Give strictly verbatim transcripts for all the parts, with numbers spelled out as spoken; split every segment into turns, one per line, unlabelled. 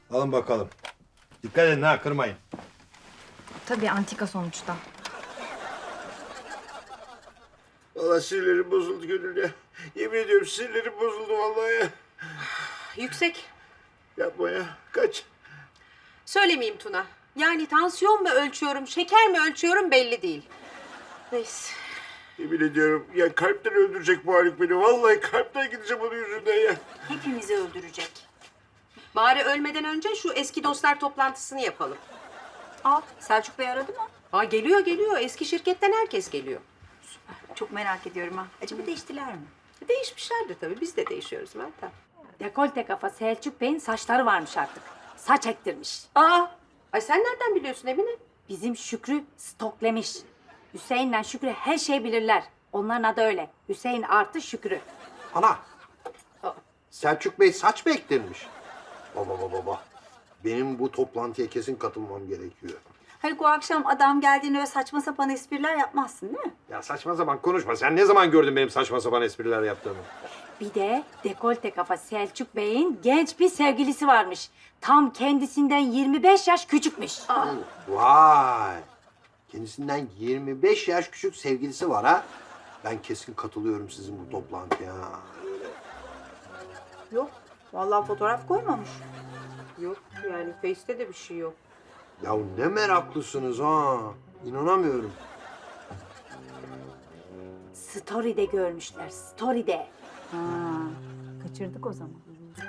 Alın bakalım. Dikkat edin ha, kırmayın.
Tabii antika sonuçta.
Vallahi sinirlerim bozuldu Gönül ya. Yemin ediyorum sinirlerim bozuldu vallahi ya.
Yüksek.
Yapma ya. Kaç.
Söylemeyeyim Tuna. Yani tansiyon mu ölçüyorum, şeker mi ölçüyorum belli değil. Neyse.
Yemin ediyorum ya, kalpten öldürecek bu Haluk beni. Vallahi kalpten gideceğim onun yüzünden ya.
Hepimizi öldürecek. Bari ölmeden önce şu eski dostlar toplantısını yapalım.
Aa, Selçuk Bey aradı mı?
Aa, geliyor geliyor. Eski şirketten herkes geliyor.
Çok merak ediyorum ha. Acaba değiştiler mi?
Değişmişlerdir tabii. Biz de değişiyoruz Meltem.
Dekolte kafa Selçuk Bey'in saçları varmış artık. Saç ektirmiş.
Aa! Ay sen nereden biliyorsun Emine?
Bizim Şükrü stoklemiş. Hüseyin'le Şükrü her şeyi bilirler. Onların adı öyle. Hüseyin artı Şükrü.
Ana. Selçuk Bey saç mı ektirmiş? Baba baba baba. Benim bu toplantıya kesin katılmam gerekiyor.
Haluk, o akşam adam geldiğinde öyle saçma sapan espriler yapmazsın değil mi?
Ya saçma sapan konuşma. Sen ne zaman gördün benim saçma sapan espriler yaptığımı?
Bir de dekolte kafa Selçuk Bey'in genç bir sevgilisi varmış. Tam kendisinden yirmi beş yaş küçükmüş.
Vay. Kendisinden yirmi beş yaş küçük sevgilisi var ha. Ben kesin katılıyorum sizin bu toplantıya.
Yok. Vallahi fotoğraf koymamış.
Yok yani Face'te de bir şey yok.
Ya ne meraklısınız ha. İnanamıyorum.
Story'de görmüşler. Story'de.
Ha, kaçırdık o zaman.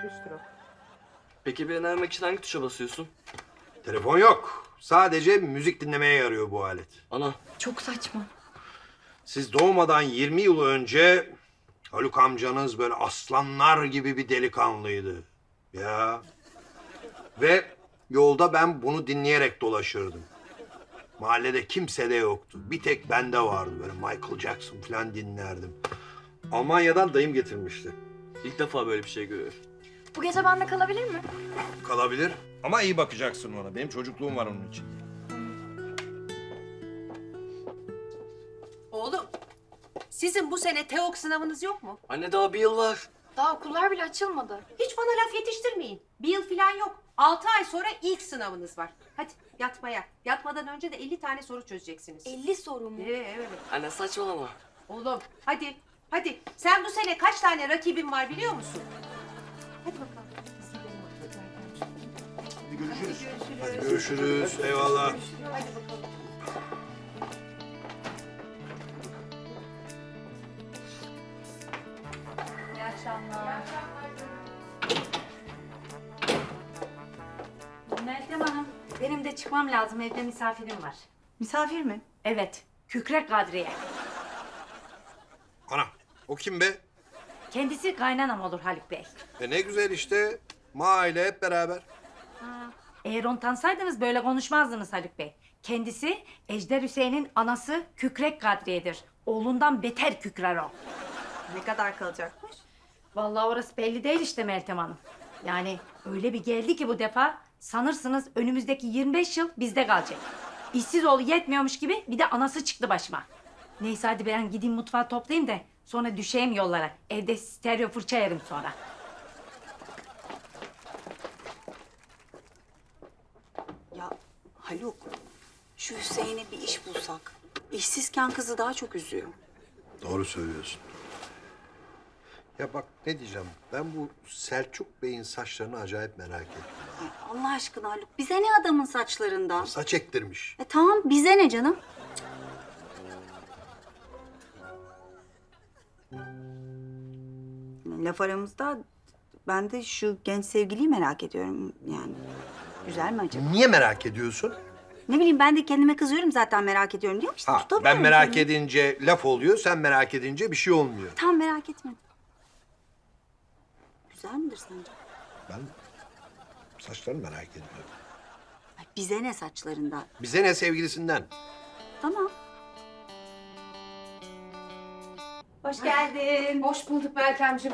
Peki beni aramak için hangi tuşa basıyorsun?
Telefon yok. Sadece müzik dinlemeye yarıyor bu alet.
Ana.
Çok saçma.
Siz doğmadan yirmi yıl önce Haluk amcanız böyle aslanlar gibi bir delikanlıydı. Ya. Ve yolda ben bunu dinleyerek dolaşırdım. Mahallede kimse de yoktu. Bir tek bende vardı, böyle Michael Jackson falan dinlerdim. Almanya'dan dayım getirmişti.
İlk defa böyle bir şey görüyorum.
Bu gece bende kalabilir mi?
Kalabilir. Ama iyi bakacaksın ona. Benim çocukluğum var onun için.
Oğlum, sizin bu sene TEOK sınavınız yok mu?
Anne daha bir yıl var.
Daha okullar bile açılmadı.
Hiç bana laf yetiştirmeyin. Bir yıl falan yok. Altı ay sonra ilk sınavınız var. Hadi yatmaya. Yatmadan önce de elli tane soru çözeceksiniz.
elli soru mu?
Ee, evet.
Anne saçmalama.
Oğlum hadi. Hadi. Sen bu sene kaç tane rakibin var biliyor musun? Hadi bakalım.
Görüşürüz. Hadi görüşürüz. Eyvallah.
Hadi bakalım.
İyi akşamlar. Meltem Hanım, benim de çıkmam lazım. Evde misafirim var.
Misafir mi?
Evet, Kükrek Kadriye.
Ana, o kim be?
Kendisi kaynanam olur Haluk Bey.
E ne güzel işte. Mahalle hep beraber.
Eğer onu tanısaydınız böyle konuşmazdınız Haluk Bey. Kendisi Ejder Hüseyin'in anası Kükrek Kadriye'dir. Oğlundan beter kükrer o.
Ne kadar kalacakmış?
Vallahi orası belli değil işte Meltem Hanım. Yani öyle bir geldi ki bu defa sanırsınız önümüzdeki yirmi beş yıl bizde kalacak. İşsiz oğlu yetmiyormuş gibi bir de anası çıktı başıma. Neyse hadi ben gideyim mutfağı toplayayım da sonra düşeyim yollara. Evde stereo fırça yerim sonra.
Ya Haluk, şu Hüseyin'e bir iş bulsak. İşsizken kızı daha çok üzüyor.
Doğru söylüyorsun. Ya bak ne diyeceğim. Ben bu Selçuk Bey'in saçlarını acayip merak ettim.
Ay, Allah aşkına Haluk, bize ne adamın saçlarından?
Saç ektirmiş.
E tamam, bize ne canım? Laf aramızda ben de şu genç sevgiliyi merak ediyorum yani. Güzel mi acaba?
Niye merak ediyorsun?
Ne bileyim, ben de kendime kızıyorum zaten merak ediyorum diyorum işte.
Ha,
tutamıyorum
ben merak
kendimi.
edince laf oluyor, sen merak edince bir şey olmuyor.
Tamam, merak etme. Güzel midir sence?
Ben saçlarını merak ediyorum.
Ay, bize ne saçlarından?
Bize ne sevgilisinden?
Tamam.
Hoş geldin.
Hoş bulduk Meltemciğim.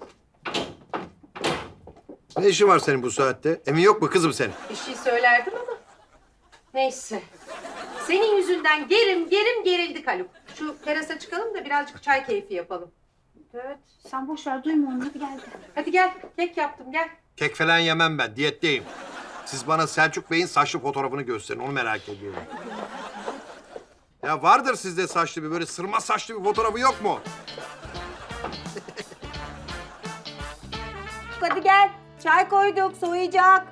Ne işin var senin bu saatte? Emin yok mu kızım senin?
Bir şey söylerdim ama. Neyse. Senin yüzünden gerim gerim gerildik Haluk. Şu terasa çıkalım da birazcık çay keyfi yapalım. Evet.
Sen boş ver, duyma onu. Hadi gel.
Hadi gel. Kek yaptım gel.
Kek falan yemem ben, diyetteyim. Siz bana Selçuk Bey'in saçlı fotoğrafını gösterin. Onu merak ediyorum. Ya vardır sizde saçlı bir böyle sırma saçlı bir fotoğrafı yok mu?
Hadi gel. Çay koyduk, soğuyacak.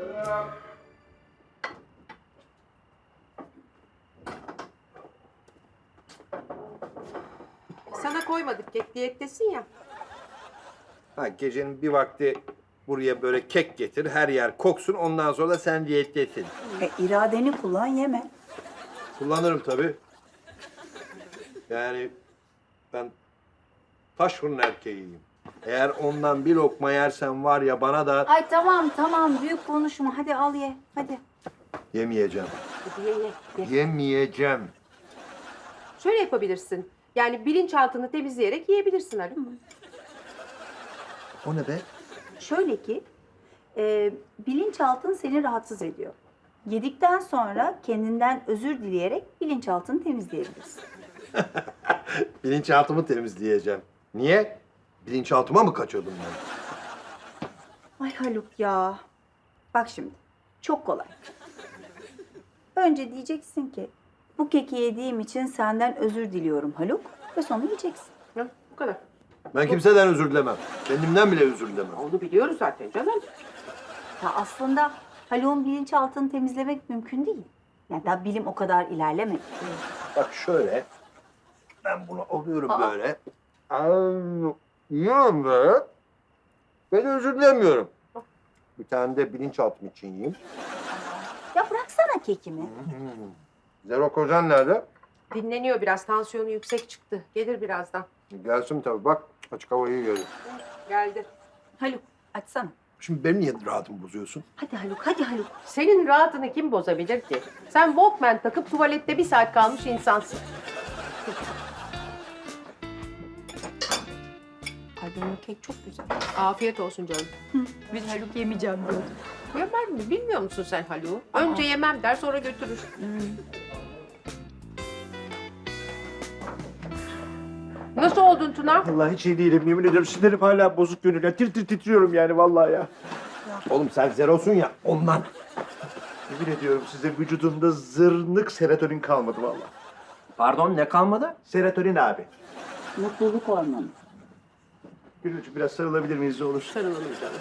Sana koymadık kek, diyettesin ya.
Ha, gecenin bir vakti buraya böyle kek getir, her yer koksun. Ondan sonra da sen diyettesin.
E, iradeni kullan, yeme.
Kullanırım tabii. Yani ben taş fırın erkeğiyim. Eğer ondan bir lokma yersen var ya bana da
Ay tamam tamam, büyük konuşma. Hadi al ye, hadi.
yemeyeceğim.
Hadi ye ye. ye.
Yemeyeceğim.
Şöyle yapabilirsin. Yani bilinçaltını temizleyerek yiyebilirsin Haluk.
O ne be?
Şöyle ki, e, bilinçaltın seni rahatsız ediyor. Yedikten sonra kendinden özür dileyerek bilinçaltını temizleyebilirsin.
Bilinçaltımı temizleyeceğim. Niye? Bilinçaltıma mı kaçıyordum ben?
Ay Haluk ya. Bak şimdi, çok kolay. Önce diyeceksin ki, bu keki yediğim için senden özür diliyorum Haluk. Ve sonra yiyeceksin.
Hı, bu kadar.
Ben kimseden özür dilemem. Kendimden bile özür dilemem.
Onu biliyoruz zaten canım.
Ya aslında Haluk'un bilinçaltını temizlemek mümkün değil. Yani daha bilim o kadar ilerlemedi.
Bak şöyle. Ben bunu alıyorum böyle. Aa, yiyorum böyle. Ben özür dilemiyorum. Bir tane de bilinçaltım için yiyeyim.
Ya bıraksana kekimi.
Zero Kocan nerede?
Dinleniyor biraz. Tansiyonu yüksek çıktı. Gelir birazdan.
Gelsin tabii bak. Açık hava iyi geliyor.
Geldi.
Haluk açsana.
Şimdi benim niye rahatımı bozuyorsun?
Hadi Haluk, hadi Haluk.
Senin rahatını kim bozabilir ki? Sen Walkman takıp tuvalette bir saat kalmış insansın.
Ay benim kek çok güzel.
Afiyet olsun canım.
Biz Haluk yemeyeceğim diyordu.
Yemem mi? Bilmiyor musun sen Haluk'u? Önce yemem der sonra götürür. Nasıl oldun Tuna?
Vallahi hiç iyi değilim. Yemin ediyorum sinirlerim hala bozuk gönül. Tir tir titriyorum yani vallahi ya.
Oğlum sen zerosun ya ondan.
Yemin ediyorum size vücudumda zırnık serotonin kalmadı vallahi.
Pardon ne kalmadı?
Serotonin abi.
Mutluluk hormonu.
Gülücüğüm biraz sarılabilir miyiz ne olur?
Sarılalım canım.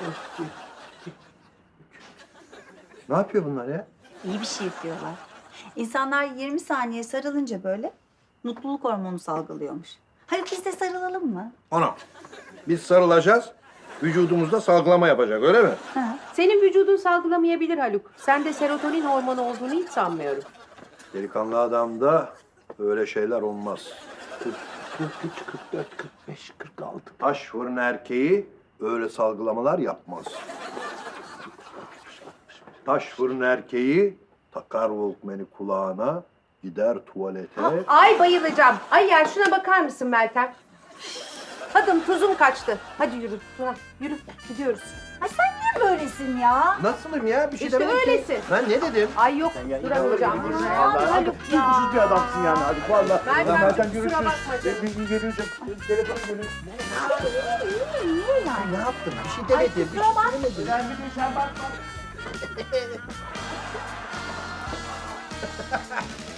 Ne yapıyor bunlar ya?
İyi bir şey yapıyorlar. İnsanlar yirmi saniye sarılınca böyle mutluluk hormonu salgılıyormuş. Haluk biz de sarılalım mı?
Ana. Biz sarılacağız. Vücudumuzda salgılama yapacak öyle mi?
Ha.
Senin vücudun salgılamayabilir Haluk. Sende serotonin hormonu olduğunu hiç sanmıyorum.
Delikanlı adamda öyle şeyler olmaz.
kırk üç, kırk dört, kırk beş, kırk altı.
Taş fırın erkeği öyle salgılamalar yapmaz. Taş fırın erkeği takar Walkman'i kulağına, gider tuvalete.
Ay bayılacağım. Ay ya şuna bakar mısın Meltem? Tadım tuzum kaçtı. Hadi yürü Tuna yürü gidiyoruz.
Ay sen niye böylesin ya?
Nasılım ya? Bir şey
İşte
demedim ki.
öylesin.
Ben ne dedim?
Ay yok
Ya,
duramayacağım.
inanılır gibi
Ay,
vallahi.
Haluk
Artık
ya.
duygusuz bir adamsın yani Haluk vallahi.
Meltem,
Ya Meltem
kusura
görüşürüz.
bakma canım.
Bir, bir görüşürüz. Telefon görüşürüz.
Niye yani?
Ne yaptım? Bir şey demedim. Bir şey söylemedim.
Ben bir de sen bakma.